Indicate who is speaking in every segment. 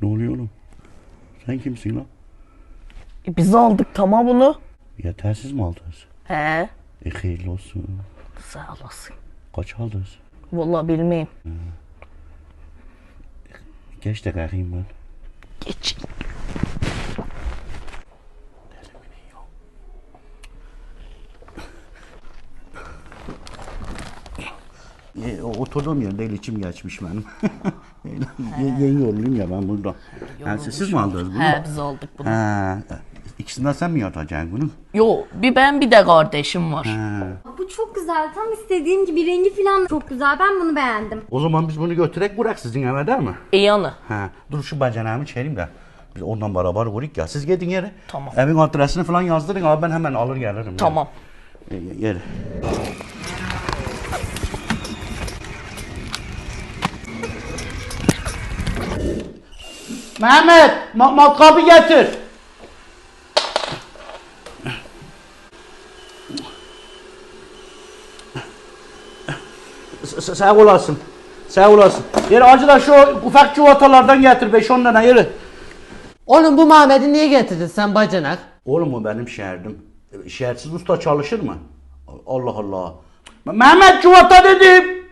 Speaker 1: Ne oluyor oğlum? Sen kimsin lan?
Speaker 2: Biz aldık tamam bunu.
Speaker 1: Yetersiz mi aldınız?
Speaker 2: He.
Speaker 1: Hayırlı olsun.
Speaker 2: Sağ olasın.
Speaker 1: Kaç aldınız?
Speaker 2: Vallahi bilmeyeyim.
Speaker 1: Geç de kalkayım ben.
Speaker 2: Geç.
Speaker 1: Oturduğum yerde içim geçmiş benim. Yeni yoruluyum ya ben burada. Yani siz mi aldınız bunu?
Speaker 2: He biz aldık bunu.
Speaker 1: Ha, ikisinden sen mi yatacaksın bunu?
Speaker 2: Yo bir ben bir de kardeşim var.
Speaker 1: Ha.
Speaker 3: Bu çok güzel. Tam istediğim gibi rengi falan çok güzel. Ben bunu beğendim.
Speaker 1: O zaman biz bunu götürek bırak sizin eve değil mi?
Speaker 2: İyi anı.
Speaker 1: Ha, dur şu bacanağımı çevireyim de. Biz ondan beraber vuruk ya. Siz gidin yere.
Speaker 2: Tamam.
Speaker 1: Evin adresini falan yazdırın abi ben hemen alır gelirim.
Speaker 2: Tamam.
Speaker 1: Yere. Mehmet, matkabı getir. Sağ olasın. Sağ olasın. Yeri acı da şu ufak çuvallardan getir 5-10 tane yeri.
Speaker 4: Oğlum bu Mehmet'i niye getirdin sen bacanak?
Speaker 1: Oğlum o benim şehirdim. Şehirsiz usta çalışır mı? Allah Allah. Mehmet çuvata dedim.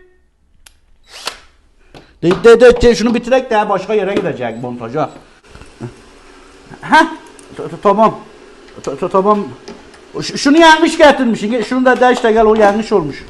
Speaker 1: De şunu bitirek de başka yere gidecek montaja. Heh. Tamam. Tamam. Şunu yanlış getirmişsin. Şunu da de işte gel o yanlış olmuş.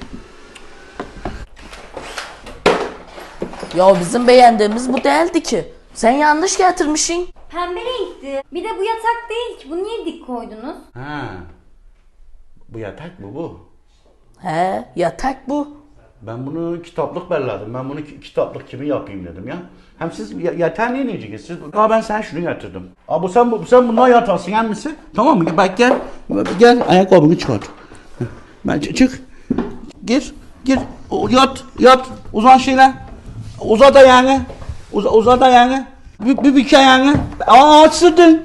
Speaker 2: Ya bizim beğendiğimiz bu değildi ki. Sen yanlış getirmişsin.
Speaker 3: Pembe renkti. Bir de bu yatak değil ki. Bunu niye dik koydunuz?
Speaker 1: Ha. Bu yatak mı bu?
Speaker 2: He yatak bu.
Speaker 1: Ben bunu kitaplık belledim. Ben bunu kitaplık kimi yapayım dedim ya. Hem siz yeter niye diyeceksiniz? Siz, ben sen şunu getirdim. Abi sen bundan yatarsın hem misin? Tamam mı? Bak gel ayakkabını çıkart. Ben çık. Gir. Yat. Uzan şöyle. Uza da yani. Uza da yani. Bir yani. Sığdın.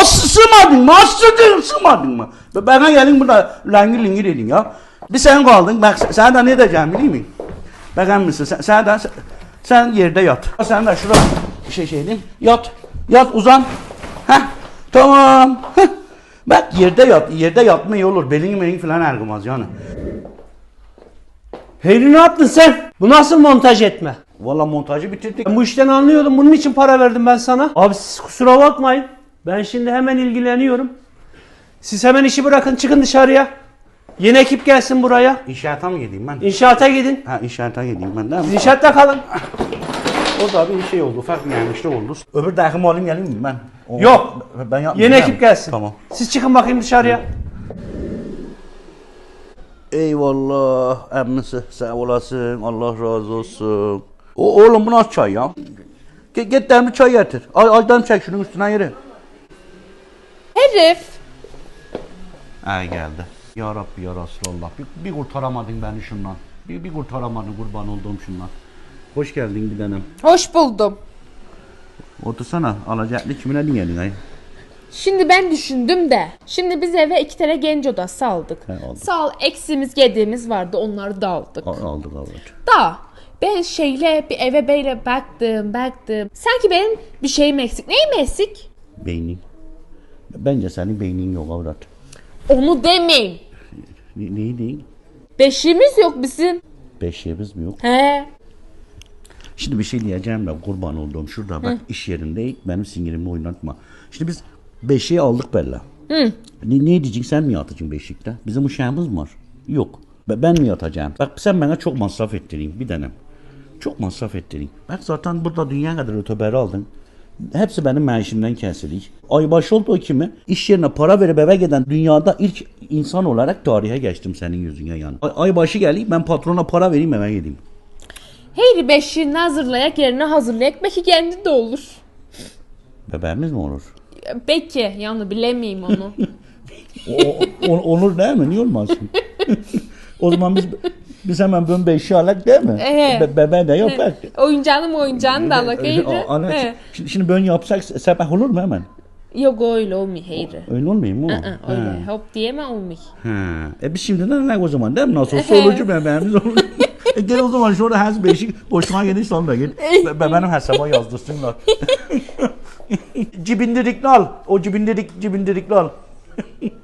Speaker 1: Sığmadın mı? Bana gelin burada langir edin ya. Bir sen kaldın. Bak sen de ne diyeceğim biliyor musun? Bakar mısın? Sen yerde yat. Sen de şurada şey diyeyim. Yat uzan. Heh. Tamam. Heh. Bak yerde yat. Yerde yatma iyi olur. Belin falan ergumaz yani.
Speaker 4: Heyri ne yaptın sen? Bu nasıl montaj etme?
Speaker 1: Valla montajı bitirdik.
Speaker 4: Ben bu işten anlıyordum. Bunun için para verdim ben sana. Abi siz kusura bakmayın. Ben şimdi hemen ilgileniyorum. Siz hemen işi bırakın çıkın dışarıya. Yeni ekip gelsin buraya.
Speaker 1: İnşaata mı gideyim ben?
Speaker 4: İnşaata gidin.
Speaker 1: Ha inşaata gideyim ben değil mi?
Speaker 4: Siz inşaatta kalın.
Speaker 1: O da bir şey oldu. Ufak bir yanlışlık oldu. Öbür dahim alayım geleyim mi ben?
Speaker 4: Yok.
Speaker 1: Ben yapmayayım.
Speaker 4: Yeni ekip gelsin.
Speaker 1: Tamam.
Speaker 4: Siz çıkın bakayım dışarıya.
Speaker 1: Eyvallah emmisi sağ olasın Allah razı olsun. Oğlum bu nasıl çay ya? Git demli çay getir. Aydan çek şunun üstüne yeri.
Speaker 5: Herif.
Speaker 1: Ay geldi. Ya Rabbi ya Resulallah. Bir kurtaramadın beni şundan. Bir kurtaramadın kurban olduğum şundan. Hoş geldin bir tanem.
Speaker 5: Hoş buldum.
Speaker 1: Otursana alacaklı kimine dinledin ay?
Speaker 5: Şimdi ben düşündüm de. Şimdi biz eve 2 tane genç odası aldık.
Speaker 1: He, aldık.
Speaker 5: Sağ ol eksiğimiz gediğimiz vardı onları da aldık.
Speaker 1: Aldık.
Speaker 5: Da ben bir eve böyle baktım. Sanki benim bir şeyim eksik. Neyim eksik?
Speaker 1: Beynin. Bence senin beynin yok avrat.
Speaker 5: Onu demeyin.
Speaker 1: Neyi değil?
Speaker 5: Beşiğimiz yok bizim.
Speaker 1: Beşiğimiz mi yok?
Speaker 5: He.
Speaker 1: Şimdi bir şey diyeceğim de kurban olduğum şurada bak iş yerinde benim sinirimi oynatma. Şimdi biz beşiği aldık Bella. Ne diyeceksin sen mi yatacaksın beşikte? Bizim uşağımız mı var? Yok. Ben mi yatacağım? Bak sen bana çok masraf ettirin bir tanem. Çok masraf ettirin. Bak zaten burada dünya kadar öteberi aldın. Hepsi benim maaşımdan kesilir. Aybaşı oldu o kimi? İş yerine para verip eve giden dünyada ilk insan olarak tarihe geçtim senin yüzüne yani. Aybaşı geleyim ben patrona para vereyim eve gideyim.
Speaker 5: Heyri beşiğini hazırlayak yerine hazırlayak. Belki kendi de olur.
Speaker 1: Bebeğimiz mi olur?
Speaker 5: Belki yani bilemeyim onu.
Speaker 1: Olur değil mi? Niye olmasın? O zaman biz hemen böyle beşi alak değil mi? Bebeği de yapak.
Speaker 5: Oyuncağını da alak Heyri.
Speaker 1: Şimdi böyle yapsak sabah olur mu hemen?
Speaker 5: Yok öyle olmuyor Heyri.
Speaker 1: Öyle olmuyor mu?
Speaker 5: Öyle hop diyeme olmuyor.
Speaker 1: Biz şimdiden alak o zaman değil mi? Nasıl olsa olucu bebeğimiz olur. Gel o zaman şurada her beşik boşuna gidiş sonra gel. Benim hesaba yazdırsınlar. Cibindirikli al. O cibindirikli al.